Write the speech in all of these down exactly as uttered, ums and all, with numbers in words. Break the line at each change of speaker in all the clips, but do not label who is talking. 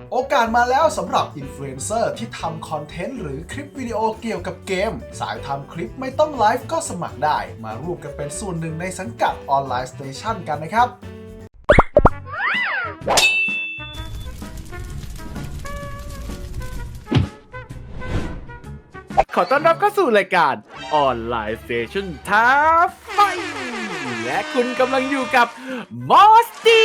โอกาสมาแล้วสำหรับอินฟลูเอนเซอร์ที่ทำคอนเทนต์หรือคลิปวิดีโอเกี่ยวกับเกมสายทำคลิปไม่ต้องไลฟ์ก็สมัครได้มาร่วมกันเป็นส่วนหนึ่งในสังกัดออนไลน์สเตชันกันนะครับ
ขอต้อนรับเข้าสู่รายการออนไลน์สเตชันท้าไฟและคุณกำลังอยู่กับมอสตี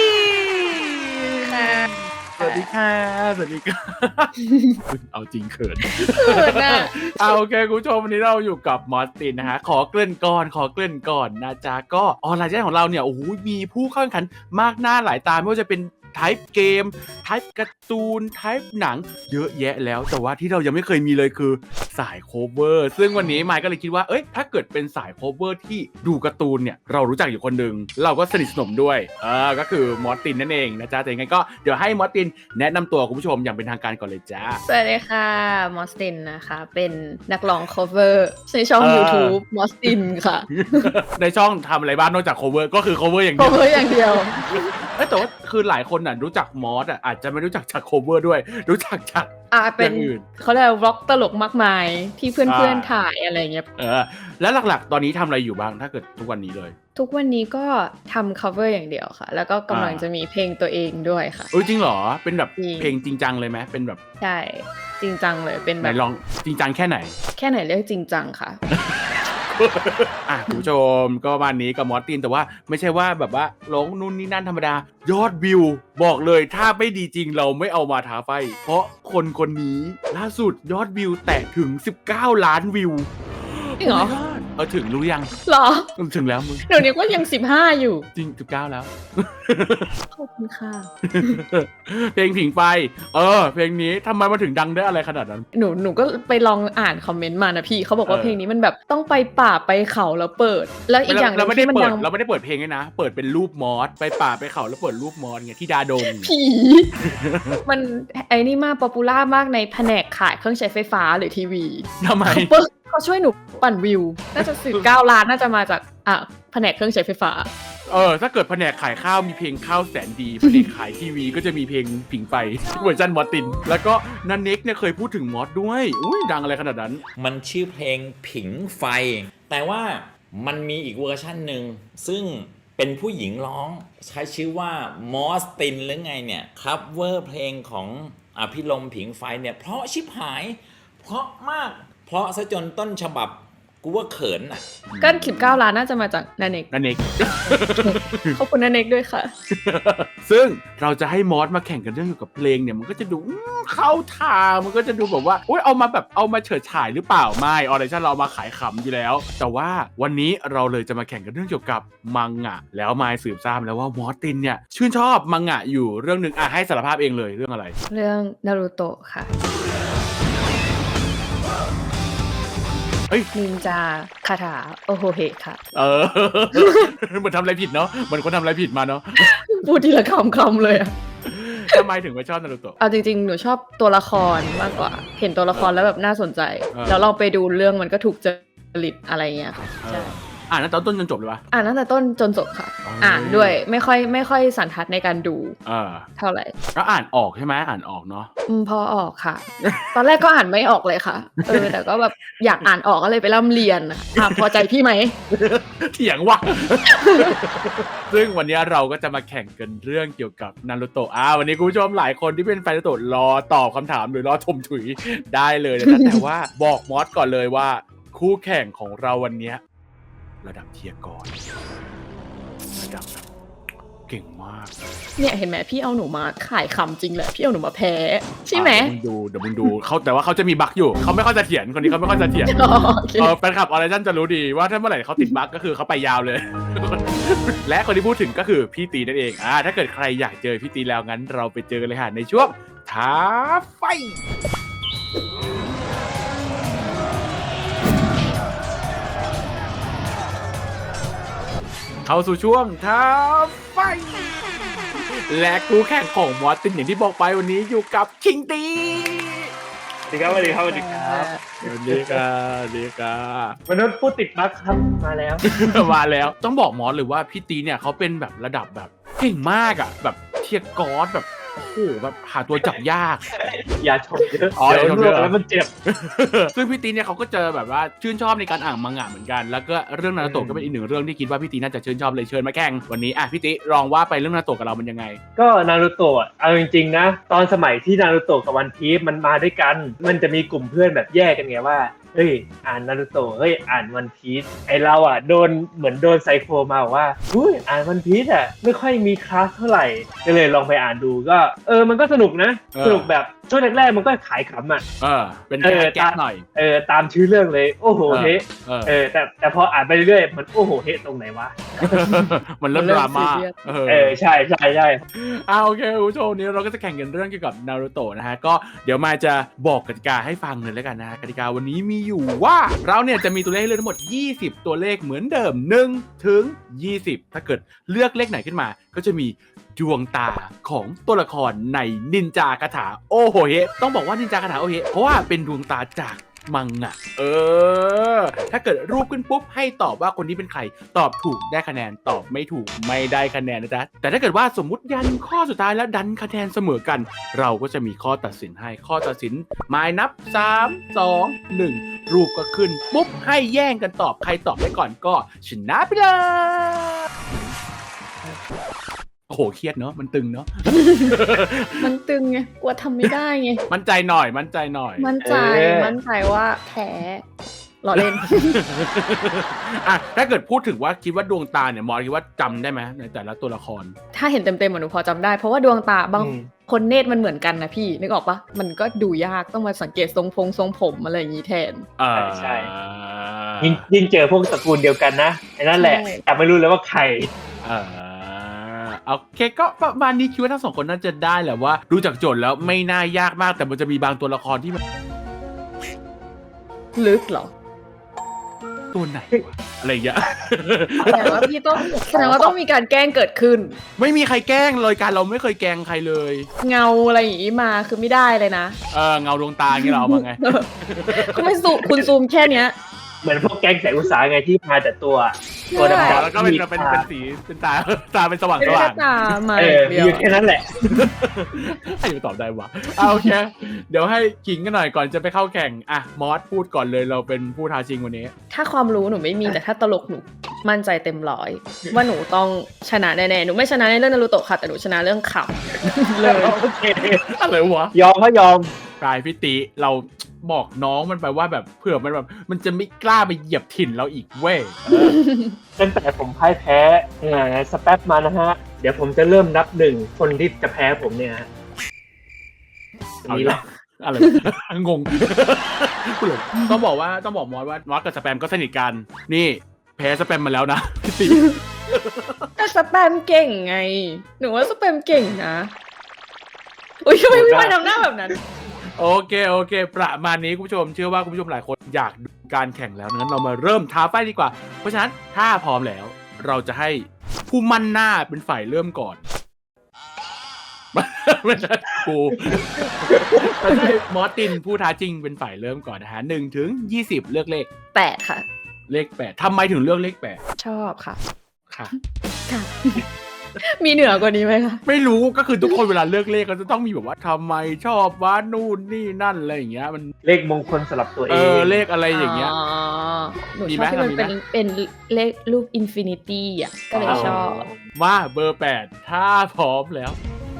สวัสดีค่ะสวัสดีค่ะเอาจริงเขินเขินนะเอาโอเคคุณผู้ชมวันนี้เราอยู่กับมอสตินนะฮะขอเกริ่นก่อนขอเกริ่นก่อนนะจ๊ะก็ออนไลน์สเตชันของเราเนี่ยโอ้โหมีผู้เข้าแข่งขันมากหน้าหลายตาไม่ว่าจะเป็นไทป์เกมไทป์การ์ตูนไทป์หนังเยอะแยะแล้วแต่ว่าที่เรายังไม่เคยมีเลยคือสายโคเวอร์ซึ่งวันนี้มายก็เลยคิดว่าเอ้ยถ้าเกิดเป็นสายโคเวอร์ที่ดูการ์ตูนเนี่ยเรารู้จักอยู่คนหนึ่งเราก็สนิทสนมด้วยเออก็คือมอสตินนั่นเองนะจ๊ะแต่ยังไงก็เดี๋ยวให้มอสตินแนะนำตัวคุณผู้ชมอย่างเป็นทางการก่อนเลยจ้า
สวัสดีค่ะมอสตินนะคะเป็นนักร้อง cover ในช่อง YouTube มอสตินค่ะ
ในช่องทำอะไรบ้างนอกจากโคเวอร์ก็คือโคเวอร์อย่างเดียว
cover อย่างเดียว
เอ้แต่ว่าคือหลายคนน่ะรู้จักมอสอ่ะอาจจะไม่รู้จักจากโคเวอร์ด้วยรู้จักจาก
อ่าเป็นเขาเรียกว่า vlog ตลกมากมายที่เพื่อนๆถ่ายอะไรเงี้ย
เออแล้วหลักๆตอนนี้ทำอะไรอยู่บ้างถ้าเกิดทุกวันนี้เลย
ทุกวันนี้ก็ทำ cover อย่างเดียวค่ะแล้วก็กำลังจะมีเพลงตัวเองด้วยค่ะ
เออจริงเหรอเป็นแบบเพลงจริงจังเลยไหมเป็นแบบ
ใช่จริงจังเลยเป็นแบบ
ลองจริงจังแค่ไหน
แค่ไหนเรียกจริงจังค่ะ
อ่ะคุณผู้ชมก็วันนี้กับมอสตินแต่ว่าไม่ใช่ว่าแบบว่าร้องนู่นนี่นั่นธรรมดายอดวิวบอกเลยถ้าไม่ดีจริงเราไม่เอามาท้าไฟเพราะคนคนนี้ล่าสุดยอดวิวแตะถึงสิบเก้าล้านวิว
จริงเหรอ
เออถึงรู้ยัง
หรอ
ถึงแล้วมึง
เดี๋ยวนี้ก็ยังสิบห้าอยู่
จริงสิบเก้าแล้ว
ขอบคุณค่ะ
เพลงผิงไฟเออเพลงนี้ทำไมมาถึงดังได้อะไรขนาดนั้น
หนูหนูก็ไปลองอ่านคอมเมนต์มานะพี่เขาบอกว่าเพลงนี้มันแบบต้องไปป่าไปเขาแล้วเปิดแล้วอีกอย่าง
เราไม่ได้เปิดเราไม่ได้เปิดเพลงด้วยนะเปิดเป็นรูปมอสไปป่าไปเขาแล้วเปิดรูปมอสไงที่ดาดง
ผีมันไอ้นี่มากป๊อปปูล่ามากในแผนกขายเครื่องใช้ไฟฟ้าหรือทีวี
ทำไม
เขาช่วยหนูปั่นวิวน่าจะสิบเก้าล้านน่าจะมาจากอ่ะแผนกเครื่องใช้ไฟฟ้า
เออถ้าเกิดแผนกขายข้าวมีเพลงข้าวแสนดีแผนกขายทีวีก็จะมีเพลงผิงไฟเวอร์ชันมอสตินแล้วก็นันเน็กเนี่ยเคยพูดถึงมอสด้วยอุ้ยดังอะไรขนาดนั้น
มันชื่อเพลงผิงไฟแต่ว่ามันมีอีกเวอร์ชันหนึ่งซึ่งเป็นผู้หญิงร้องใช้ชื่อว่ามอสตินหรือไงเนี่ยครับเวอร์เพลงของอภิรมย์ผิงไฟเนี่ยเพราะชิบหายเพราะมากเพราะซะจนต้นฉบับกูว่าเขินอ่ะ
ก็สิบเก้าล้านน่าจะมาจากนันเน็ก
นันเน็ก
ขอบคุณนันเน็กด้วยค่ะ
ซึ่งเราจะให้มอสมาแข่งกันเรื่องเกี่ยวกับเพลงเนี่ยมันก็จะดูเข้าทางมันก็จะดูแบบว่าโอ๊ยเอามาแบบเอามาเฉิดฉายหรือเปล่าไม่ออเดชั่นเรามาขายขำอยู่แล้วแต่ว่าวันนี้เราเลยจะมาแข่งกันเรื่องเกี่ยวกับมังงะแล้วมายสืบทราบแล้วว่ามอสตินเนี่ยชื่นชอบมังงะอยู่เรื่องนึงอ่ะให้สารภาพเองเลยเรื่องอะไร
เรื่องนารูโตะค่ะนินจาคาถาโอโฮเฮค่ะ
เออเหมือนทำอะไรผิดเนาะเหมือนคนทำอะไรผิดมาเนาะ
พูดทีละคำคำเลยอะ
ทำไมถึงไม่ชอบนารูโตะ
เอาจริงๆหนูชอบตัวละครมากกว่าเห็นตัวละครแล้วแบบน่าสนใจแล้วเราไปดูเรื่องมันก็ถูกจริตอะไรเงี้ยค่ะใช่
อ่านตั้งแต่ต้นจนจบเลยปะ
อ่านตั้งแต่ต้นจนจบค่ะอ่านด้วยไม่ค่อยไม่ค่อยสันทัดในการดูเท่าไหร่
แล้วอ่านออกใช่ไหมอ่านออกเนาะ
อืมพอออกค่ะตอนแรกก็อ่านไม่ออกเลยค่ะเออแต่ก็แบบอยากอ่านออกก็เลยไปร่ำเรียนอ่ะพอใจพี่ไหม
เถียงว่ะซึ่งวันนี้เราก็จะมาแข่งกันเรื่องเกี่ยวกับนารูโตะอ่าวันนี้คุณผู้ชมหลายคนที่เป็นแฟนนารูโตะรอตอบคำถามหรือรอชมถุยได้เลยนะแต่ว่าบอกมอสก่อนเลยว่าคู่แข่งของเราวันนี้ระดับเทียร์กรระดับแบบเก่งมาก
เนี่ยเห็นไหมพี่เอาหนูมาขายคำจริงแหละพี่เอาหนูมาแพ้ใช่ไหม
มึงดูเดี๋ยวมึงดูเขาแต่ว่าเขาจะมีบั๊กอยู่เขาไม่ค่อยจะเถียงคนนี้เขาไม่ค่อยจะเถียงเออแฟนคลับออริจินจะรู้ดีว่าถ้าเมื่อไหร่เขาติดบั๊กก็คือเขาไปยาวเลยและคนที่พูดถึงก็คือพี่ตีนั่นเองอ่าถ้าเกิดใครอยากเจอพี่ตีแล้วงั้นเราไปเจอกันเลยค่ะในช่วงท้าไฟเข้าสู่ช่วงท้าไฟและคู่แข่งของมอสตินอย่างที่บอกไปวันนี้อยู่กับคิงตี
สวัสดีครับสวัสดีครับสวัสดีครับ
สวัสดีครับสวัสดีครับ
มนุษย์ผู้ติดบั๊กครับมาแล้ว
มาแล้วต้องบอกมอสเลยว่าพี่ตีเนี่ยเขาเป็นแบบระดับแบบเก่งมากอ่ะแบบเทียร์กอสแบบโอ้โหแบบหาตัวจับยาก
อย่าชมเยอะ
อ๋อ
เดี๋ยว
อย่าชม
ล
เยว
ก
อะ
แล้วมันเจ็บ
ซึ่งพี่ตีเนี่ยเขาก็เจอแบบว่าชื่นชอบในการอ่านมังงะเหมือนกันแล้วก็เรื่องนารูโตะก็เป็นอีกหนึ่งเรื่องที่คิดว่าพี่ตีน่าจะชื่นชอบเลยเชิญมาแข่งวันนี้อ่ะพี่ตีลองว่าไปเรื่องนารูโตะกับเรามันยังไง
ก็นารูโตะเอาจริงๆนะตอนสมัยที่นารูโตะกับวันพีซมันมาด้วยกัน มันจะมีกลุ่มเพื่อนแบบแยกกันไงว่าเฮ้ยอ่านนารูโตะเฮ้ยอ่านวันพีซไอเราอ่ะโดนเหมือนโดนไซโคมาบอกว่าอุ้ยอ่านวันพีซอ่ะไม่ค่อยมีคลาสเท่าไหร่ก็เลยลองไปอ่านดูก็เออมันก็สนุกนะ
เออ
สนุกแบบช่วงแรกๆมันก็ขายขำอ่ะ
เออเป็น
เอ
แก๊
อ
แก๊กหน่อย
เออตามชื่อเรื่องเลยโอ้โหเฮ้
เออ
เออแต่แต่พออ่านไปเรื่อยๆมันโอ้โหเฮ้ตรงไหนวะ
มันเริ่มดราม่า
เออใช่ใช่ใช่
อ่าโอเคคุณผู้ชมวันนี้เราก็จะแข่งกันเรื่องเกี่ยวกับนารูโตะนะฮะก็เดี๋ยวมาจะบอกกติกาให้ฟังเลยแล้วกันนะฮะกติกาวันนี้มีอยู่ว่าเราเนี่ยจะมีตัวเลขให้เลือกทั้งหมดยี่สิบตัวเลขเหมือนเดิมหนึ่งถึงยี่สิบถ้าเกิดเลือกเลขไหนขึ้นมา ก็จะมีดวงตาของตัวละครในนินจาคาถาโอโหเฮต้องบอกว่านินจาคาถาโอโหเฮเพราะว่าเป็นดวงตาจากมังงะเออถ้าเกิดรูปขึ้นปุ๊บให้ตอบว่าคนที่เป็นใครตอบถูกได้คะแนนตอบไม่ถูกไม่ได้คะแนนนะจ๊ะแต่ถ้าเกิดว่าสมมุติยันข้อสุดท้ายแล้วดันคะแนนเสมอกัน เราก็จะมีข้อตัดสินให้ข้อตัดสินหมายนับสาม สอง หนึ่งรูปก็ขึ้นปุ๊บให้แย่งกันตอบใครตอบได้ก่อนก็ชนะไปเลยโอ้โหเครียดเนาะมันตึงเนาะ
มันตึงไงกลัวทำไม่ได้ไง
มั่นใจหน่อยมั่นใจหน่อย
มั่นใจมั่นใจว่าแพ้หล่อเล่น
อ่ะถ้าเกิดพูดถึงว่าคิดว่าดวงตาเนี่ยมอสคิดว่าจำได้ไหมในแต่ละตัวละคร
ถ้าเห็นเต็มๆหนูพอจำได้ เพราะว่าดวงตาบาง
อืม
คนเนตรมันเหมือนกันนะพี่นึกออกปะมันก็ดูยากต้องมาสังเกตทรงพงทรงผมอะไรอย่างนี้แทน
อ่า
ใช่ ยิ่งยิ่งเจอพวกตระกูลเดียวกันนะไอ้นั่นแหละ
ใช่
แต่ไม่รู้เลยว่าใคร
อ่าโอเคก็ประมาณนี้คิดว่าทั้งสองคนน่าจะได้แหละว่าดูจากโจทย์แล้วไม่น่ายากมากแต่มันจะมีบางตัวละครที่มัน
ลึกเหรอ
ตัวไหนวะอะไรอย่างเงี้ย
แสดงว่าพี่ต้องแสดงว่าต้องมีการแกล้งเกิดขึ้น
ไม่มีใครแกล้งเลยการเราไม่เคยแกล้งใครเลย
เงาอะไรอย่างนี้มาคือไม่ได้เลยนะ
เออเงาดวงตาอย่างเงี้ยเราเอามาไง
ก็ไม่ซูมคุณซูมแค่เนี้ย
เหมือนพวกแก๊งแสงอุตสาหไงที่มาแต่ตัวตัว
ใช่
ดำๆ
แล้วก็เป็น
มี
เป็น
ตา
เป็นสีเป็นตาตาเป็นสว่าง
ไม่
ส
ได้
ว่า
แค่
ง
ตามา
เอ
อ
อย่าง
เดียว
มีแค่นั้นแหละ
ใครจะตอบได้วะอ่ะโอเค เดี๋ยวให้ขิงกันหน่อยก่อนจะไปเข้าแข่งอ่ะมอสพูดก่อนเลยเราเป็นผู้ท้าชิงวันนี้
ถ้าความรู้หนูไม่มีแต่ถ้าตลกหนูมั่นใจเต็มร้อย ว่าหนูต้องชนะแน่ๆหนูไม่ชนะในเรื่องนารูโตะค่ะแต่หนูชนะเรื่องขำเลย
โอเค
อะไรวะ
ยอมก็ยอม
กายพี่ติเราบอกน้องมันไปว่าแบบเผื่อมันแบบมันจะไม่กล้าไปเหยียบถิ่นเราอีกเว้ย
ตั้งแต่ผมพ่ายแพ้เอ่อสแป๊บมานะฮะ เดี๋ยวผมจะเริ่มนับหนึ่งคนที่จะแพ้ผมเนี่ยฮะ
เอา
นี่
อีก
แห
แล้
ละ
วอะไร งง ต้องบอกว่าต้องบอกมอสว่ามอสกับสแปมก็สนิทกัน นี่แพ้สแปมมาแล้วนะพี่ติ
แต่สแปมเก่งไง หนูว่าสแปมเก่งนะอุ้ยทำไมพี่วายทำหน้าแบบนั้น
โอเคโอเค ประมาณนี้คุณผู้ชมเชื่อว่าคุณผู้ชมหลายคนอยากดูการแข่งแล้วงั้นเรามาเริ่มท้าไฟดีกว่า เพราะฉะนั้นถ้าพร้อมแล้ว เราจะให้ผู้มั่นหน้าเป็นฝ่ายเริ่มก่อน ไม่ใช่กูเราจะให้มอสตินผู้ท้าจริงเป็นฝ่ายเริ่มก่อนนะฮะหนึ่งถึงยี่สิบเลือกเลข
แปดค่ะ
เลขแปดทำไมถึงเลือกเลขแปด
ชอบค่ะ
ค่ะ
ค่ะ มีเหนือกว่านี้ไหมคะ
ไม่รู้ก็คือทุกคนเวลาเลือกเลขก็จะต้องมีแบบว่าทำไมชอบว่านู่นนี่นั่นอะไรอย่างเงี้ยมัน
เลขมงคลสำหรับตัวเอ
เอง อเลขอะไรอย่างเงี้ย
อ๋อหนู
มี
ช
ไหม
อบที่มัน
มีไหม
เป็นเป็นเลขรูปอินฟินิตี้อ่ะก็เลยชอบ
มาเบอร์แปดถ้าพร้อมแล้ว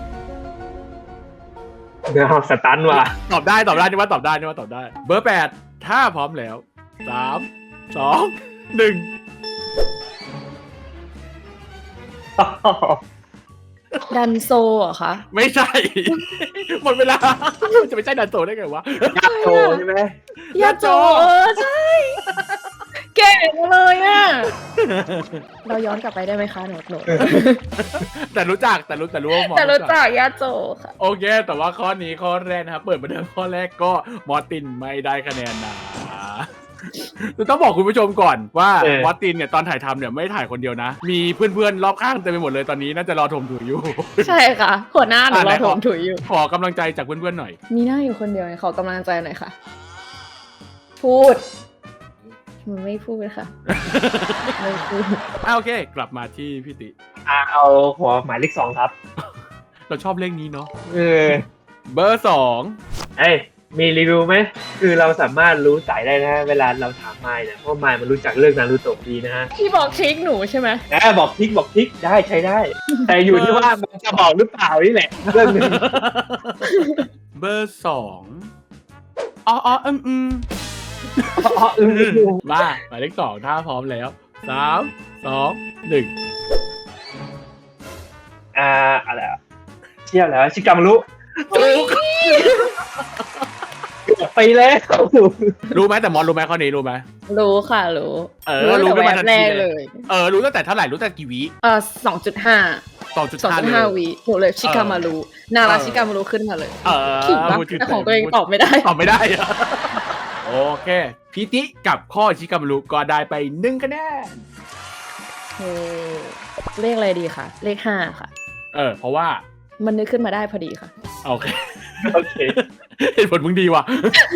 เดี๋ยวสตันว่ะ
ตอบได้ตอบได้นี่ว่าตอบได้นี่ว่าตอบได้ เบอร์แปดถ้าพร้อมแล้วสามสองหนึ่ง
ดันโซเหรอคะ
ไม่ใช่ หมดเวลาจะไม่ใช่ดันโตได้ไงวะ
ยาโตใช่ไหม
ยาโจเออใช่ เก่งเลยอ่ะ เราย้อนกลับไปได้ไหมคะหนูหนู
แต่รู้จักแต่รู้แต่รู้ว่าหมอ
แต่รู้จักยาโจค่ะ
โอเค แต่ว่าข้อนี้ข้อแรกนะครับเปิดมาเดิมข้อแรกก็มอร์ตินไม่ได้คะแนนนะต้องบอกคุณผู้ชมก่อนว่ามอร์ตินเนี่ยตอนถ่ายทำเนี่ยไม่ถ่ายคนเดียวนะ มีเพื่อนๆรอบข้างเต็มไปหมดเลยตอนนี้น่าจะรอถมถุยอยู่
ใช่ค่ะ หัวหน้าหนู
อ่ะไห
ร
น
อ
ข
ถ
อ
มถุยอยู่
ขอกำลังใจจากเพื่อนๆหน่อย
มีหน้าอยู่คนเดียวขอกำลังใจหน่อยค่ะ พูด มันไม่พูดค่ะ ไม่พูด
อ่ะโอเค กลับมาที่พี่ติ
อ่ะเอาหัวหมายเลขสองครับ
เราชอบเลขนี้เนาะ
เออ
เบอร์สอง
เอ้ยมีรีวิวไหมคือเราสามารถรู้สายได้นะเวลาเราถามไมล์เนี่ยเพราะไมล์มันรู้จักเรื่องนารูโตะดีนะฮะ
พี่บอกทริคหนูใช่ไหม
แอบบอกทิกบอกทิกได้ใช้ได้ แต่อยู่ที่ว่ามันจะบอกหรือเปล่านี่แหละเรื่องหนึง
เบอร์สองอ๋ออ๋ออืมอืม
อ๋อเออ
มาหมายเลขสองถ้าพร้อมแล้วสามสองหนึ่ง
อ่าอะไรอ่ะเชี่ยแล้วชิกามารุ
ถูก
ไปแล้ว
รู้ไหมแต่มอนรู้ไหมข้อนี้รู้ไหม
รู้ค่ะรู้
เออรู้
รู้
ขึ้น
แต่
มา
แว
ทั
บ
น
แร
ที
ก
เล
เลย ย
เออรู้ตั้งแต่เท่าไหร่รู้ตั้งแต่กี่วิ
เออสองจุดห้า
สองจุด
สอง
ห้า
จุด
เล
ห้าย วิหนูเลยชิกามารุนาราชิกามารุขึ้นมาเลย
เออ
ขิงปะ
พูดถึ
แต่ของตัวเองตอบไม่ได้
ตอบไม่ได้อะโอเคพีติกับข้อชิกามารุก็ได้ไปหนึ่งคะแนน
เออเลขอะไรดีคะเลขห้าค่ะ
เออเพราะว่า
มันนึกขึ้นมาได้พอดีค่ะ
โอเค
โอเค
เหตุผลมึงดีว่ะ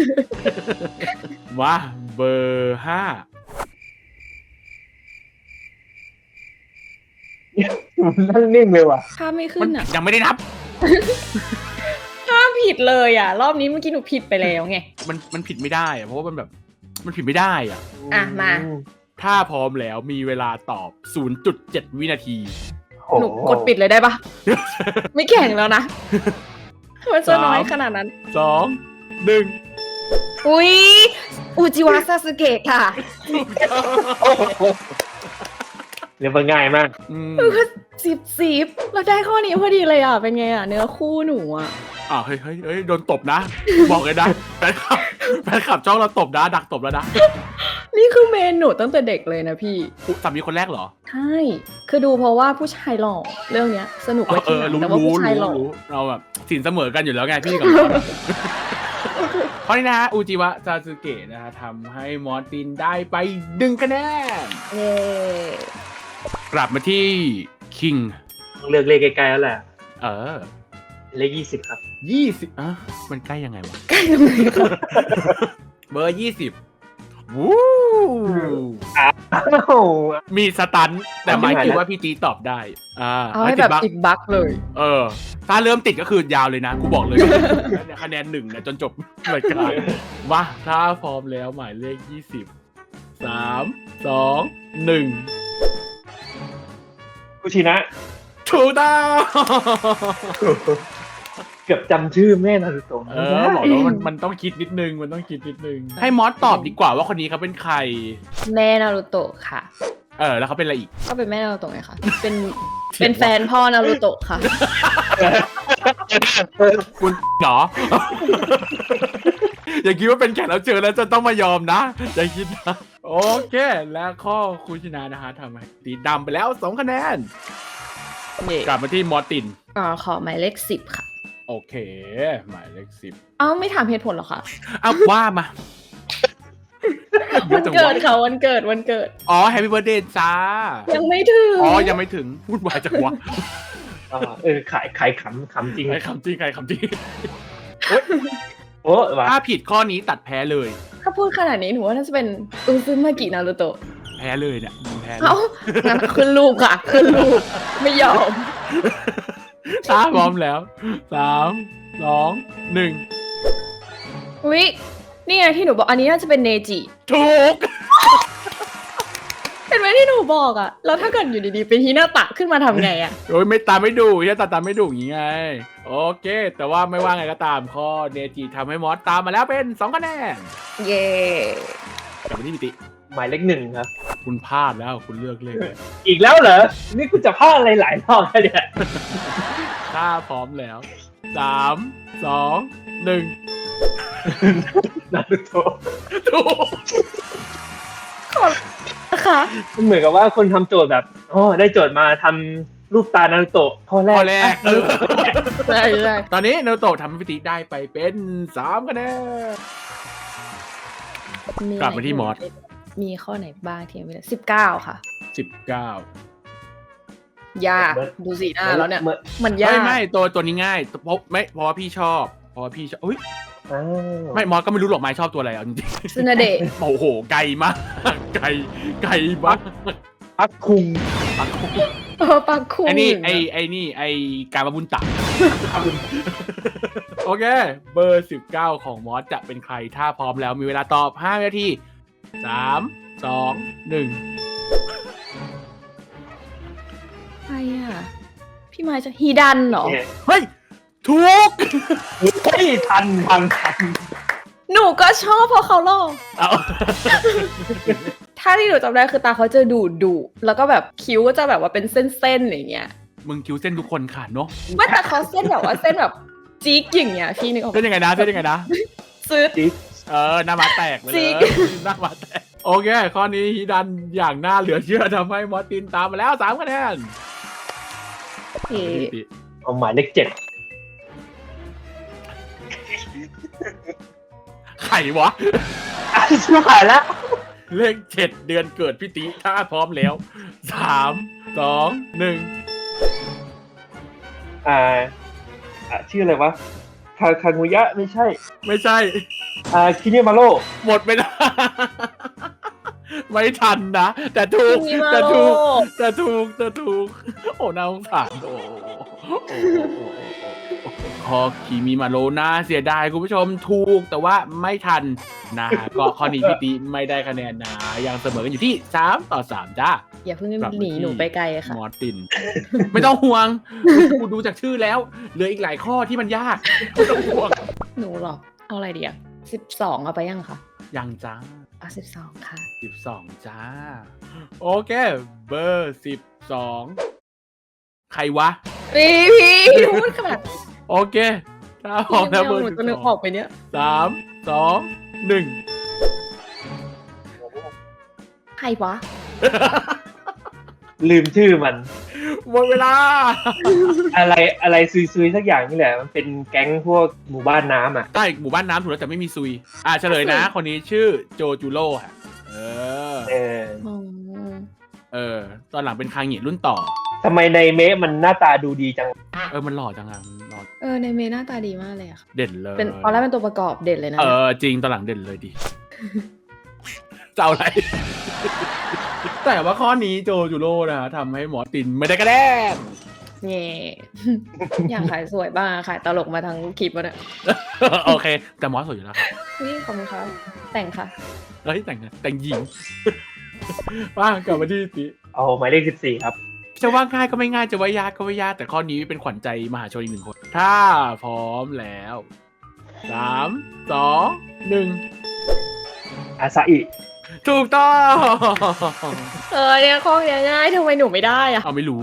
มาเบอร์ห้า
นั่งนิ่งเลยว่ะ
ถ้าไม่ขึ้
มัน
นอ่ะ
ยังไม่ได้นับ
ถ้าผิดเลยอ่ะ รอบนี้เมื่อกี้หนูผิดไปแล้วไง
มันมันผิดไม่ได้อะเพราะว่ามันแบบมันผิดไม่ได้อะ
อ่ะมา
ถ้าพร้อมแล้วมีเวลาตอบ ศูนย์จุดเจ็ด วินาที
โอ้
หนูกดปิดเลยได้ปะ ไม่แข่งแล้วนะ มันจะน้อยขนาดนั้น
สองหนึ่ง
อุ๊ย อุจิวะซาสึเกะค่ะ
เรียกว่าง่ายมาก
อืม
สิบสิบเราได้ข้อนี้พอดีเลยอ่ะ เป็นไงอ่ะ เนื้อคู่หนูอ่ะ
อ่าเฮ้ยเฮ้ยเฮ้ยโดนตบนะ บอกเลยนะแฟนคลับแฟนคลับจ้องเราตบนะ ดักตบแล้วนะ
นี่คือเมนหนูตั้งแต่เด็กเลยนะพี่
อุ๊ยสามีคนแรกเหรอ
ใช่ คือดูเพราะว่าผู้ชายหล่อเรื่องเนี้ย สนุก
เอ
ไว้
อเอ
ที่
อ
หลัง
รู้
แต่ว่า
รู้
ผู้ชายหล่อ
รู้เราแบบสินเสมอกันอยู่แล้วไงพี่กับมอสเพราะนี่นะฮะอูจิวะซาสึเกะนะฮะทำให้มอสตินได้ไปหนึ่งคะแนน
เย้
กลับมาที่คิง
ต้องเลือกเลขใกล้ๆแล้วแหละ
เออ
เลขยี่สิบครับ
ยี่สิบอ่ะมันใกล้ยังไงวะ
ใกล้ตรงไหนครับ
เบอร์ยี่สิบวู้
อ้าว
มีสตันแต่หมายคิดว่าพี่ตีตอบได้ อ่า
เอาให้แบบติดบั๊กเลย
เออ ถ้าเริ่มติดก็คือยาวเลยนะ กูบอกเลย คะแนนหนึ่งเนี่ยจนจบรายการมาถ้าพร้อมแล้วหมายเลขยี่สิบสามสองหนึ่ง
คุชินะ
ถูกต้อง
เกือบจำชื่อแม่นารูโตะ
เออบอกแล้วมันมันต้องคิดนิดนึง มันต้องคิดนิดนึง ให้มอสตอบดีกว่าว่าคนนี้เขาเป็นใคร
แม่นารูโตะค่ะ
เออ แล้วเขาเป็นอะไรอีก
ก็เป็นแม่นารูโตะไงคะ เป็น เป็นแฟนพ่อนารูโตะค่ะ
คุณเหรอ อย่าคิดว่าเป็นแขกรับเชิญแล้วจะต้องมายอมนะ อย่าคิดนะ โอเค และข้อคุณชนะนะฮะทำให้ตีดำไปแล้วสองคะแนน
เย่
กลับมาที่มอสติน
อ่าขอหมายเลขสิบค่ะ
โอเค หมายเลขสิบ
เอ้าไม่ถามเหตุผลเหรอคะ
อ้าวว่ามา
วันเกิดค่ะวันเกิดวันเกิด
อ๋อแฮปปี้เบิร์ดเดย์จ้า
ยังไม่ถึง
อ๋อ ยังไม่ถึง พูดวายจังวะ
อ่าเออขายขายขำขำจริง
ใครคำจริงใครคำจริง
โอ้ว่ะ
ถ้าผิดข้อนี้ตัดแพ้เลย
ถ้าพูดขนาดนี้หนูว่าน่าจะเป็นอุซึมากินารูโตะ
แพ้เลยเนี่ยแพ้เลย
เอ้างั้นขึ้นรูปค่ะ ขึ้นรูป ไม่ยอม
ถ้าพร้อมแล้วสามสองหนึ่ง
อุ๊ยนี่ไงที่หนูบอกอันนี้น่าจะเป็นเนจิ
ถูก
เห็นไหมที่หนูบอกอะแล้วถ้าเกิดอยู่ดีๆเป็นฮินาตะขึ้นมาทำไงอะ
โอ้ยไม่ตามไม่ดูแค่ตาตามไม่ดูอย่างงี้ไง โอเค แต่ว่าไม่ว่าไงก็ตามข้อเนจิทำให้มอสตามมาแล้วเป็นสองคะแนน
เย่
กลับมาที่พิติ
หมายเลขหนึ่งครับ
คุณพลาดแล้วคุณเลือกเลขเลย
อีกแล้วเหรอ นี่คุณจะพลาดอะไรหลายรอบแล้วเนี่ย
ถ้าพร้อมแล้วสามสองหนึ่ง
นารูโตะ
ถูก
นะคะ
มันเหมือนกับว่าคนทำโจทย์แบบอ๋อได้โจทย์มาทำรูปตานารูโตะข้อแร
ข้
ก
อแรก
เออ
ใช่ใช่
ตอนนี้นารูโตะทำให้พิติได้ไปเป็นสามคะแนน กลับมาที่มอส
มีข้อไหนบ้างที่ยังไม่ได้สิบเก้าค่ะ
สิบเก้าย
ากดูสีหน้าแล้วเนี่ย
หมือ
มันยา
ไม่
ก
ไม่ตัวตัวนี้ง่ายเพราะไม่เพราะว่าพี่ชอบเพราะว่าพี่ชอบอุ้ย
อ้าว
ไม่มอสก็ไม่รู้หรอกไม้ชอบตัวอะไรเอาจริง
ซึนาเดะ
ๆ โอ้โหไกลมากไกลไกลมาก
พักคุง
ปัก
เออปักคุง
ไอ้นี่
ยู่ะ
ไอ้ไอ้นี่ไอ้การมาบุญตัก
อ
โอเคเบอร์สิบเก้าของมอสจะเป็นใครถ้าพร้อมแล้วมีเวลาตอบห้านาทีสามสองหนึ่ง
ใครอ่ะ พี่ไม้จะฮีดันเหรอ
เฮ้ยถูก
เฮ้ยทันทันทัน
หนูก็ชอบเพราะเขาหล่อ
เอา
ถ้าที่หนูจำได้คือตาเขาจะดุดุแล้วก็แบบคิ้วก็จะแบบว่าเป็นเส้นๆอย่างเงี้ย
มึงคิวเส้นทุกคนขาดเนาะ
ไม่แต่เขาเส้นแบบว่าเส้นแบบจี๊กอย่างเงี้ยพี่นึกออก
เส้นยังไงนะเส้นยังไงนะ
ซื้อ
เออหน้ามาแตกไปเล
จริ
ย
ง
หน้ามาแตกโอเคข้อนี้ฮิดันอย่างน่าเหลือเชื่อทำให้มอสตินตามมาแล้วสามคะแนน
เอ๊ะ
เอาหมายเลขเจ็ด
ไข่วะ
อ่ะชิบหายแล้ว
เลขเจ็ดเดือนเกิดพี่ติถ้าพร้อมแล้วสามสองหนึ่ง
อ่าอ่ะชื่ออะไรวะคาคางูยะไม่ใช่
ไม่ใช่
อ่าคิเนมาโร่
หมดไปแล้ว ไม่ทันนะ แต่ถูก
คิมิมา
แต่
โร่
ถูกแต่ถูกแต่ถูก โอ้น่าสงสารโอ้คอคิมิมาโรน่าเสียดายคุณผู้ชมถูกแต่ว่าไม่ทันนะฮะก็ข้อนี้พี่ติไม่ได้คะแนนนะยังเสมอกันอยู่ที่สามต่อสามจ้า
อย่าเพิ่ง
กลับมา
หนี
ที่
หนูไปไกลค่ะ
มอร์ติน ไม่ต้องห่วงกูดูจากชื่อแล้วเหลืออีกหลายข้อที่มันยากไม่ต้องห่วง
หนูหรอ เอาอะไรดีอ่ะสิบสองเอาไปยังคะ
ยังจ้า
เอาสิบสองค่ะ
สิบสองจ้า โอเค เบอร์สิบสองใครวะ
พี่พี่พูดขนาด
โอเคถ้าพร้อมแล้วเบอร์
หนู
สิบ
จะนึก
ส
อ
อ
อง กไปเนี้ย
สามสองหนึ่ง
ใครวะ
ลืมชื่อมัน
หมดเวลา
อะไรอะไรซุยๆสักอย่างนี่แหละ มันเป็นแก๊งพวกหมู่บ้านน้ำอ่ะ
ใต้หมู่บ้านน้ำถูกแล้วแต่ไม่มีซุย อ่าเฉลยนะ คนนี้ชื่อโจจูโร่ค่ะเออ
เออ
อ๋อ
เออ ตอนหลังเป็นคางเหงียรุ่นต่อ
ทำไมในเมะมันหน้าตาดูดีจัง
เออ มันหล่อจังอ่ะมันหล่อ
เออในเมย์หน้าตาดีมากเลยอะค่ะ
เด่นเลย
เป็นตอนแรกเป็นตัวประกอบเด่นเลยนะ
เออ จริงตอนหลังเด่นเลยดิ จะเอาอะไร แต่ว่าข้อนี้โจจูโร่นะฮะทำให้หมอตินไม่ได้กระแดน
เง่ อยากขายสวยบ้างขายตลกมาทั้งคลิปวะเนี่ย
โอเค แต่หมอสวยอยู่แล้วครับ
นี่ขอบคุณครับแต่งค่ะ
เฮ้ยแต่งแต่งหญิง ว่ากลับมาที่ติ
เอาหมายเลขสิบสี่ครับ
จะว่าง่ายก็ไม่ง่ายจะว่ายากก็ไม่ยากแต่ข้อนี้เป็นขวัญใจมหาชนอีกหนึ่งคน ถ้าพร้อมแล้วสามสองหนึ่ง
อาซาอิ
ถูกต้อง
เออเนี่ยข้อเนี้ยง่ายทำไมหนูไม่ได้อะ
เอาไม่รู้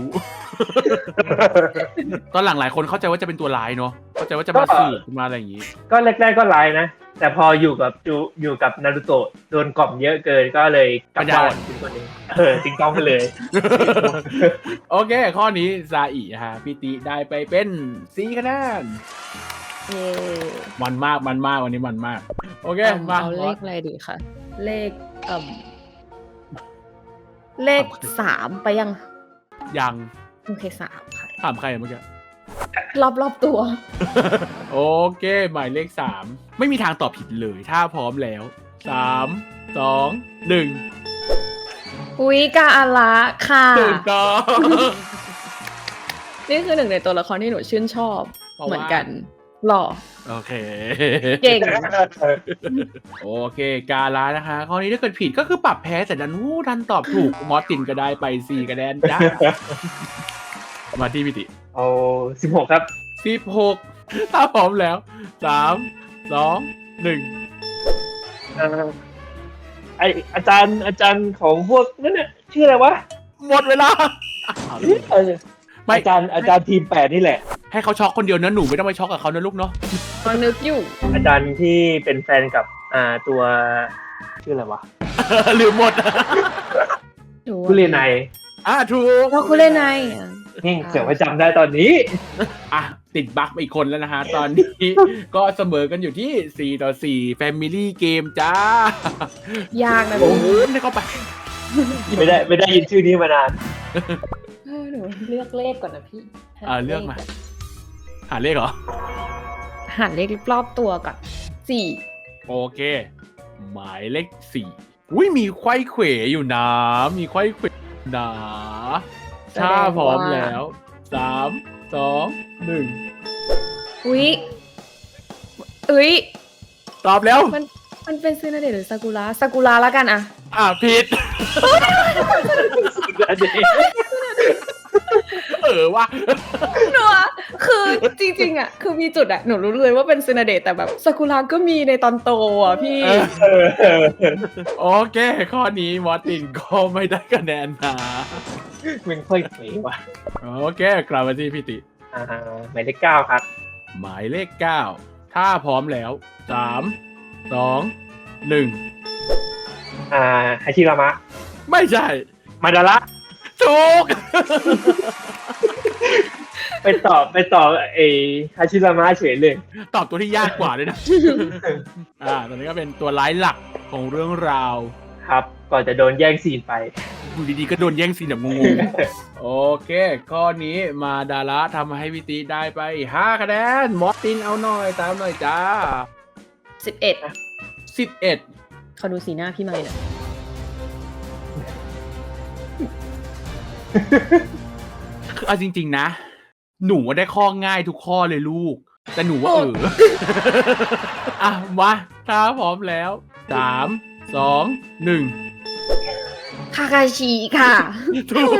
ตอนหลังหลายคนเข้าใจว่าจะเป็นตัวร้ายเนาะเข้าใจว่าจะมาสืบมาอะไรอย่างงี้
ก็แรกๆก็ร้ายนะ แต่พออยู่กับจูอยู่กับนารูโตะโดนกล่อมเยอะเกินก็เลยกลับบ้านเป็นคนหนึงเออติงต้องไปเลย
โอเค ข้อนี้ซาอิฮะพี่ติได้ไปเป็นสี่คะแนน
เย่
มันมากมันมากวันนี้มันมาก โอเค
เอา
มา
เอาเลขอะไรดีคะเลขเอ่มเลขสามไปยัง
ยัง
โอเคสามค่ะ
ถามใครเมื่อกี้
รอบรอบตัว
โอเค หมายเลขสามไม่มีทางตอบผิดเลยถ้าพร้อมแล้วสามสองหนึ่ง
อุ้ยกาอาระค่ะ
ถูกต้อง
นี่คือหนึ่งในตัวละครที่หนูชื่นชอบ
เพราะว่า
เหมือนกันหล่อ
โอเค
เก่ง
โอเค กาลานะคะ ข้อนี้ถ้าเกิดผิดก็คือปรับแพ้แต่ดันวู้ดันตอบถูก มอสตินก็ได้ไปสี่คะแนนจ้า มาที่พิติ
เอาสิบหกครับ
สิบหกถ้าพร้อมแล้วสามสองหนึ่ง
เอ่อไออาจารย์อาจารย์ของพวกนั่นน่ะชื่ออะไรวะ
หมดเวลา
เออ
ไม่
อาจารย์อาจารย์ทีมแปดนี่แหละ
ให้เขาช็อกคนเดียวนะหนูไม่ต้องไปช็อกกับเขานะลูกเนาะ
มานึกอยู่
อาจารย์ที่เป็นแฟนกับอ่าตัวชื่ออะไรวะ
ลืมหมด
หนู
คุเรไน
อ่ะถูก
เพราะคุณเล่นไงอะ
นี่เสือกไปจำได้ตอนนี้
อ่ะติดบั๊กไปอีกคนแล้วนะฮะ ตอนนี้ ก็เสมอกันอยู่ที่สี่ต่อสี่ Family Game จ้าย
ากนะ
โอ้
พี่
โหได้เข้าไป
ไม่ได้ไม่ได้ยินชื่อนี้มานาน
เออหนูเลือกเลขก่อนนะพี่
อ่าเลือกมา หาเลขเหรอ
หาเลขรอบตัวก่อนสี่
โอเค หมายเลขสี่อุ้ยมีไขว้เขวอยู่นะ มีไขว้เขวนะถ้าพร้อมแล้วสามสองหนึ่ง
อุ๊ยอุ๊ย
ตอบแล้ว
มันมันเป็นซึนาเดะหรือซากุระซากุระแล้วกันอะ
อ่ะผิด เออว่ะ
หนูอะคือจริงๆอะคือมีจุดอะหนูรู้เลยว่าเป็นซึนาเดะแต่แบบซากุระก็มีในตอนโตอะพี่
เออ
เออเออเออ
โอเค ข้อนี้มอร์ตินก็ไม่ได้คะแนนนะ
มันค่อยเป๋ว่ะ
โอเค กลับมาที่พี่ติ
อ่าหมายเลขเก้าครับ
หมายเลขเก้าถ้าพร้อมแล้วสามสองหนึ่ง
อ่าฮาชิรามะ
ไม่ใช่
มาดาระ
ถูก
ไปตอบไปตอบเอฮาชิรามะเฉยเลย
ตอบตัวที่ยากกว่าด้วยนะ อ่า ตอนนี้ก็เป็นตัวร้ายหลักของเรื่องราว
ครับ ก่อนจะโดนแย่งซีนไป
อยู่ดีๆก็โดนแย่งซีนแบบงงๆ โอเค ข้อนี้มาดาระทำให้พี่ตีได้ไปห้าคะแนน มอสตินเอาหน่อย ตามหน่อยจ้า
สิบเอ็ด
สิบเอ็ด
เขาดูสีหน้าพี่ไม่หน่อย
คือเอาจริงๆนะ หนูว่าได้ข้อง่ายทุกข้อเลยลูก แต่หนูว่าเออ อ่ะ มาถ้าพร้อมแล้วสามสองหนึ่ง
คาคาชิค่ะ
ถูก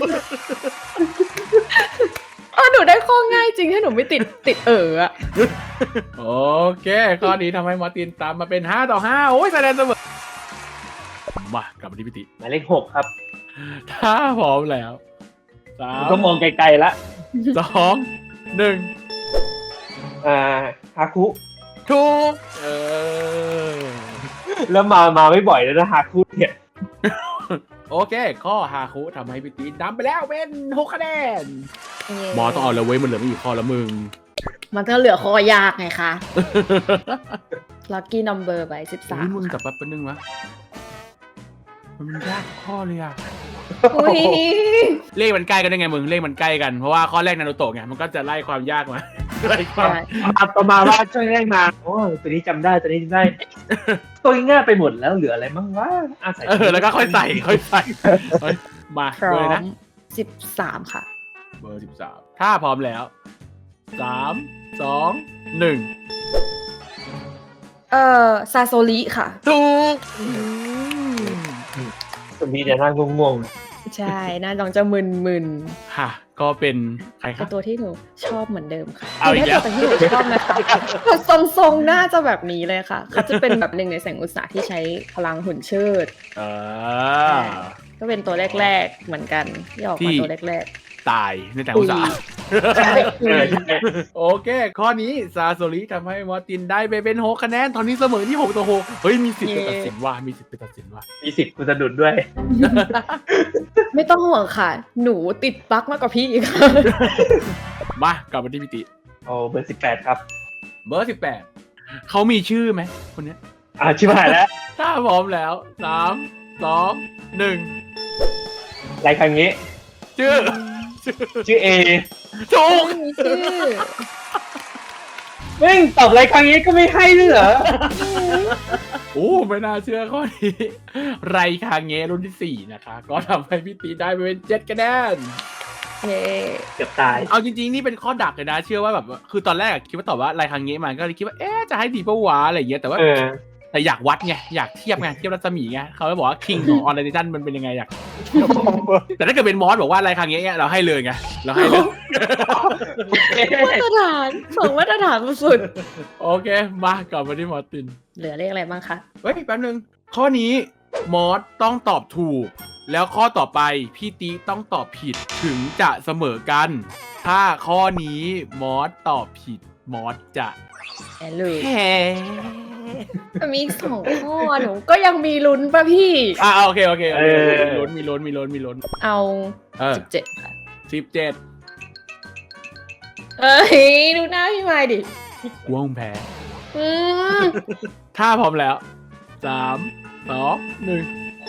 เออหนูได้ข้อง่ายจริงถ้าหนูไม่ติดติดเอออะ
โอเค ข้อนี้ทำให้มอร์ตินตามมาเป็นห้าต่อห้าโอ้ยแสดงเสมอมากลับมาที่พิติ
หมายเลขหกครับ
ถ้าพร้อมแล้วสาม
ก็มองไกลๆละ
สองหนึ่ง
อ่าฮาคุ
ถูกเออ
แล้วมามาไม่บ่อยแล้วนะฮาคุเนี่ย
โอเค ข้อฮาคุทำให้พิตินำไปแล้วเป็นหกคะแนนหมอต้องเอาแล้วเว้ยมันเหลือไม่กี่ข้อแล้วมึง
มันก็เหลือข้อยากไงคะลัคกี้นัมเบอร์ไปสิบสา
อุ้
ม
ยมึงกลับแป๊บนึงวะมันยากข้อเลยอะ
อุ้ย
เลขมันใกล้กันได้ไงมึงเลขมันใกล้กันเพราะว่าข้อแรกนารูโตะไงมันก็จะไล่ความยากมา ไล่ความ
มาประมาณว่าช่วยแรกมาโอ้ตัวนี้จำได้ตัวนี้จำได้ ตัวง่ายไปหมดแล้วเหลืออะไรบ้างวะอาศัย
เออแล้วก็ค่อยใส่ค่อยใส่เฮ้ยมา
พร้
เบ
อ
อร์
ม
นะ
สิบสามค่ะ
เบอร์สิบสามถ้าพร้อมแล้วสามสองหนึ่ง
เอ่อซาโซริค่ะ
ถูก
ตัวนี้จะนั่งงง
ใช่น่าจองจะมึนมึน
ค่ะ ก็เป็นใคร
ๆ
ค
เป็
รับ
นตัวที่หนูชอบเหมือนเดิมค่ะ
เอาอีกแล้ว
เป็นตัวที่หนูชอบนะคะแต่ทรงๆน่าจะแบบนี้เลยค่ะ เขาจะเป็นแบบหนึ่งในแสงอุตสาหที่ใช้พลังหุ่นเชิด
เออ
ก็เป็นตัวแรกๆเหมือนกันที่ออก
ที่
มาตัวแรก
ตายในแต่อุตสาห์
ๆใช่
ๆเออใช่
โอเค ข้อนี้ซาโซริทำให้มอร์ตินได้ไปเป็นหกคะแนน ตอนนี้เสมอที่หกต่อหกเฮ้ย มีสิทธิ์ไปตัดสินว่า มีสิทธิ์ไปตัดสินว่า
มีสิทธิ์กูสะดุดด้วย
ไม่ต้องห่วงค่ะ หนูติดปลั๊กมากกว่าพี่อีกค่ะ
มากลับมาที่พิติ
โอ้เบอร์สิบแปดครับ
เบอร์สิบแปดเขามีชื่อไหมคนเนี้ย
อ่าชิบหายแล้ว
ถ้าพร้อมแล้วสามสองหนึ่ง
รายครั้งนี้
ชื่อ
ชื่อเอ
ถูก
ไม่มีชื่อ
แม่งตอบรายครั้งนี้ก็ไม่ให้ด้วยเหรอ
โอ้ไม่น่าเชื่อข้อนี้ ไรคางเงะรุ่นที่สี่นะคะ ก็ทำให้พี่ตีได้ไปเป็นเจ็ดคะแนน
เย้
เกือบตาย
เอาจริงๆ นี่เป็นข้อดักเลยนะ เชื่อว่าแบบคือตอนแรกอะคิดว่าตอบว่าไรคางเงะมันก็เลยคิดว่าเอ๊ะจะให้ดีปะวะอะไรอย่างเงี้ยแต่ว่า
เออ
แต่อยากวัดไงอยากเทียบไงเทียบรัศมีไงเขาเลยบอกว่าคิงของออนไลน์มันเป็นยังไงอยากแต่ถ้าเกิดเป็นมอสบอกว่าไรคางเงะเราให้เลยไงเราให้เลย
มาตรฐานสองมาตรฐานสุด
โอเค มากลับมาที่มอสติน
เหลือเลขอะไรบ้างคะ
เฮ้ยแป๊บนึง ข้อนี้มอสต้องตอบถูก แล้วข้อต่อไปพี่ตีต้องตอบผิดถึงจะเสมอกัน ถ้าข้อนี้มอสตอบผิดมอสจะ
แอนเลย
แพ้
มีอีกสองข้อหนูก็ยังมีลุ้นป่ะพี่
อ่าโอเคโอเคโอเค
เออ
มีล้นมีล้นมีล้นมีล้น
เอา
เออ
สิบเจ็ดค่ะ
สิบเจ็ด
เอ้ย ดูหน้าพี่ไม้ดิ
กวงแพ้
อืม
ถ้าพร้อมแล้วสามสองหนึ่ง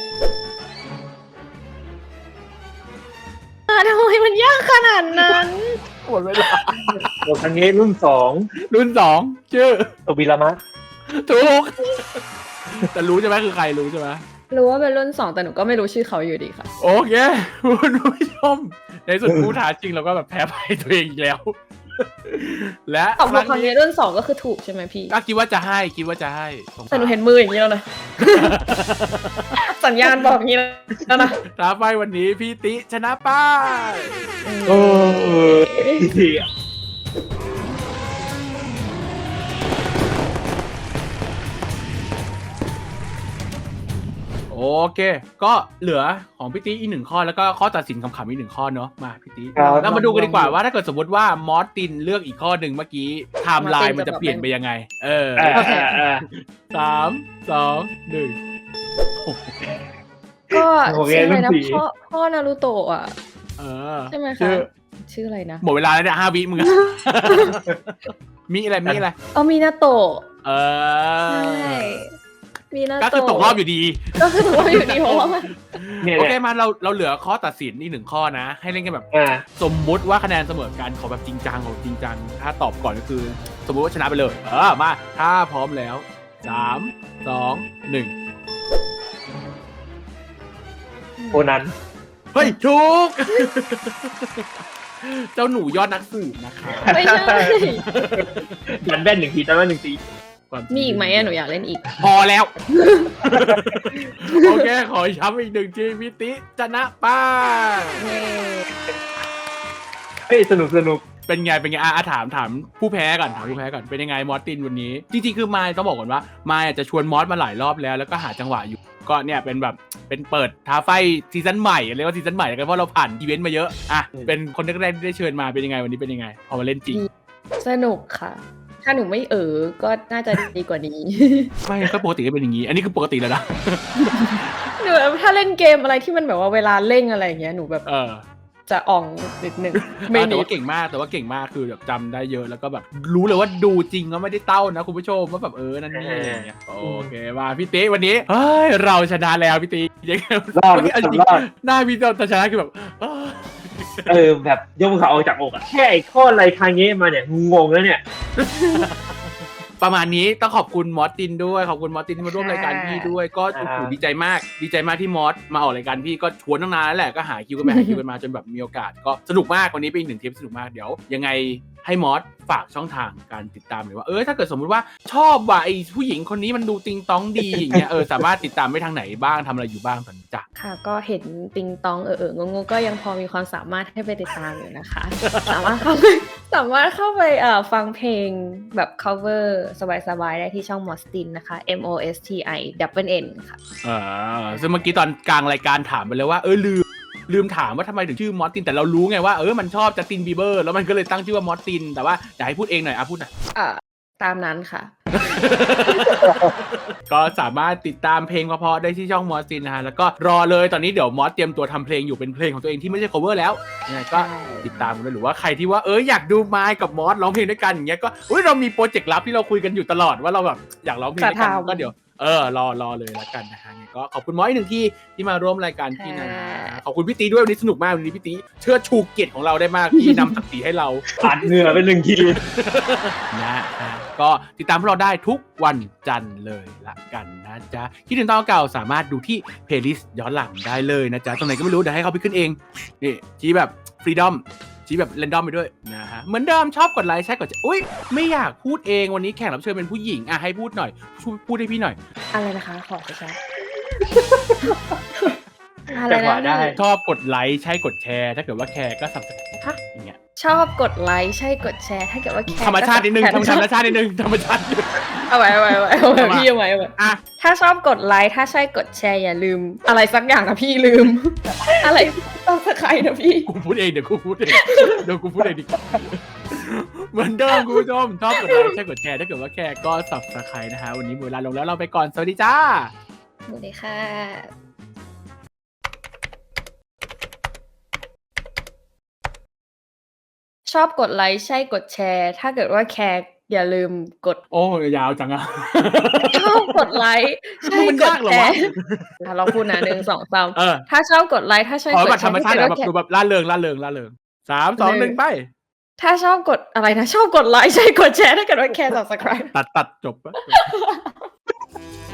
อ่ะทำไมมันยากขนาดนั้น
หมดเวลา
ตัวครั้งนี้รุ่นสอง
รุ่นสองชื่อ
โตบิรามะ
ถูก แต่รู้ใช่ไหมคือใครรู้ใช่ไหม
รู้ว่าเป็นรุ่นสองแต่หนูก็ไม่รู้ชื่อเขาอยู่ดีค่ะ
โอเคคุณผู้ชมในสุดผู้ท้าจริงเราก็แบบแพ้ไปตัวเองอีกแล้วและ
ตอบถูกครั้งนี้เรื่องสองก็คือถูกใช่ไหมพี่
ก็คิดว่าจะให้คิดว่าจะให้
แต่หนูเห็นมืออย่างนี้แล้วนะ สัญญาณบอกอย่างนี้แล้วนะ
ท้าไฟวันนี้พี่ติชนะป้า
โอ้ย
โอเคก็เหลือของพี่ติอีกหนึ่งข้อแล้วก็ข้อตัดสินคำๆอีกหนึ่งข้อเนาะมาพี่ติแล้วมาดูกันดีกว่าว่าถ้าเกิดสมมติว่ามอสตินเลือกอีกข้อหนึ่งเมื่อกี้ไทม์ไลน์มันจะเปลี่ยนไปยังไงเออสามสองหนึ่ง
ก็ชื่ออะไรนะพ่อพ่อนารูโตะอ่ะ
เออ
ใช่ไหมคะชื่ออะไรนะ
หมดเวลาแล้วเนี่ยห้าวิมึงมีอะไรมีอะไร
อ๋อมีนาโตะ
เออ
ใช่มีนาโตะ
ก็คือตกรอบอยู่ดี
ก็คือตกรอบอยู่ดีเพราะว่า
โอเคมาเราเราเหลือข้อตัดสินอีกหนึ่งข้อนะให้เล่นกันแบบสมมุติว่าคะแนนเสมอกันขอแบบจริงจังของจริงจังถ้าตอบก่อนก็คือสมมุติว่าชนะไปเลยเออมาถ้าพร้อมแล้วสามสองหนึ่ง
โคนัน
เฮ้ยถูกเจ้าหนูยอดนักสืบนะคะ
ไม่ใช่
ดันแว่นหนึ่งทีดันแว่นหนึ่งที
มีอีกไหมอะหนูอยากเล่นอีก
พอแล้วโอเคขอย้ำอีกหนึ่งทีพี่ติชนะป้า
เฮ้ยสนุกสนุก
เป็นไงเป็นไงอ่ะถามถามผู้แพ้ก่อนถามผู้แพ้ก่อนเป็นยังไงมอสตินวันนี้จริงๆคือมายต้องบอกก่อนว่ามายจะชวนมอสมาหลายรอบแล้วแล้วก็หาจังหวะอยู่ก็เนี่ยเป็นแบบเป็นเปิดท้าไฟซีซั่นใหม่เรียกว่าซีซั่นใหม่กันเพราะเราผ่านอีเวนต์มาเยอะอ่ะเป็นคนแรกๆที่ได้เชิญมาเป็นยังไงวันนี้เป็นยังไงพอมาเล่นจริง
สนุกค่ะถ้าหนูไม่เออก็น่าจะดีกว่านี้
ไม่ก็ปกติก็เป็นอย่างนี้อันนี้คือปกติแล้วนะ
หนูถ้าเล่นเกมอะไรที่มันแบบว่าเวลาเล่นอะไรอย่างเงี้ยหนูแบบจะอ่องนิดนึง
ไม่แต่ว่าเก่งมากแต่ว่าเก่งมากคือแบบจำได้เยอะแล้วก็แบบรู้เลยว่าดูจริงก็ไม่ได้เต้านะคุณผู้ชมว่าแบบเออนั่นนี่อะไรอย่างเงี้ยโอเคมาพี่ติวันนี้เฮ้ยเราชนะแล้วพี่ติยังไงรอดหน้าพี่เราชนะคือแบบ
เออแบบยกเขาออกจากอกอะแค่ไอ้ข้ออะไรคางเงี้มาเนี่ยงงแล้วเนี่ย
ประมาณนี้ต้องขอบคุณมอสตินด้วยขอบคุณมอสตินที่มาร่วมรายการพี่ด้วยก็โอ้โหดีใจมากดีใจมากที่มอสมาออกรายการพี่ก็ชวนตั้งนานแล้วแหละก็หาคิวกันไปหาคิวกันมาจนแบบมีโอกาสก็สนุกมากวันนี้เป็นอีกหนึ่งเทปสนุกมากเดี๋ยวยังไงให้มอสฝากช่องทางการติดตามหน่อยว่าเออถ้าเกิดสมมุติว่าชอบว่าไอ้ผู้หญิงคนนี้มันดูติงตองดีอย่างเงี้ยเออสามารถติดตามได้ทางไหนบ้างทำอะไรอยู่บ้างตอนนี้จ้ะ
ค่ะก็เห็นติงตองเออเอองงก็ยังพอมีความสามารถให้ไปติดตามอยู่นะคะสามารถเข้าไปสามารถเข้าไปเอ่อฟังเพลงแบบ cover สบายๆได้ที่ช่องมอสตินนะคะ M O S T I double N ค่ะ
อ่าซึ่งเมื่อกี้ตอนกลางรายการถามไปเลยว่าเออลืมลืมถามว่าทำไมถึงชื่อมอสตินแต่เรารู้ไงว่าเออมันชอบจัสตินบีเบอร์แล้วมันก็เลยตั้งชื่อว่ามอสตินแต่ว่าอยากให้พูดเองหน่อยอ่ะพูดหน่อย
อ่าตามนั้นค่ะ
ก็สามารถติดตามเพลงเพราะๆได้ที่ช่องมอสตินนะฮะแล้วก็รอเลยตอนนี้เดี๋ยวมอสเตรียมตัวทำเพลงอยู่เป็นเพลงของตัวเองที่ไม่ใช่ cover แล้วยังไงก็ติดตามกันด้วยหรือว่าใครที่ว่าเอออยากดูมายกับมอสร้องเพลงด้วยกันอย่างเงี้ยก็อุ้ยเรามีโปรเจกต์ลับที่เราคุยกันอยู่ตลอดว่าเราแบบอยากร้องเพลงด้วยกันก็เดี๋ยวเออรอรอเลยละกันนะฮะก็ขอบคุณมอสอีกหนึ่งที่ที่มาร่วมรายการพี่นะขอบคุณพี่ตีด้วยวันนี้สนุกมากวันนี้พี่ตีเชิดชูเกียรติของเราได้มากที่นำศักดิ์ศรีให้เรา
ผ่านเหงื่อเป็นหนึ่งที
นะก็ติดตามพวกเราได้ทุกวันจันทร์เลยละกันนะจ๊ะคิดถึงตอนเก่าสามารถดูที่เพลย์ลิสต์ย้อนหลังได้เลยนะจ๊ะตรงไหนก็ไม่รู้เดี๋ยวให้เขาไปขึ้นเองนี่ชี้แบบฟรีดอมชี้แบบเรนดอมไปด้วยนะฮะเหมือนเดิมชอบกดไลค์ใช่กดอุ้ยไม่อยากพูดเองวันนี้แขกรับเชิญเป็นผู้หญิงอ่ะให้พูดหน่อยพูดให้พี่หน่อย
อะไรนะคะขอไปใช้
อะไรนะ
ชอบกดไลค์ใช่กดแชร์ถ้าเกิดว่าแคร์ก็สับสนอย่างเงี้ย
ชอบกดไลค์ใช่กดแชร์ถ้าเกิดว่าแคร์
ธรรมชาตินิดนึงธรรมชาตินิดนึงธรรมชาติ
เอาไว้เอาไว้เอาไว้เอาไว้พี่เอาไว้เอาไว้อ่ะถ้าชอบกดไลค์ถ้าใช่กดแชร์อย่าลืมอะไรสักอย่างนะพี่ลืมอะไรต้องสะใครนะพี่
กูพูดเองเดี๋ยวกูพูดเองเดี๋ยวกูพูดเองดิเหมือนเดิมคุณผู้ชมชอบกดไลค์ใช่กดแชร์ถ้าเกิดว่าแคร์ก็สับสะใครนะฮะวันนี้หมดเวลาลงแล้วเราไปก่อนสวัสดีจ้า
สวัสดีค่ะชอบกดไลค์ใช่กดแชร์ถ้าเกิดว่าแคร์อย่าลืมกด
โอ้ยาวจังอะ
ชอบกดไลค์ใช่กดแชร์เราพูดนะหนึ่งสองสามถ้าชอบกดไลค์ถ้าใช่กดแชร์
ธรรมชาติแบบดูแบบล่าเริงล่าเริงล่าเริงสามสองหนึ่งไป
ถ้าชอบกดอะไรนะชอบกดไลค์ใช่กดแชร์ถ้าเกิดว่าแคร์ subscribe
ตัดตัดจบ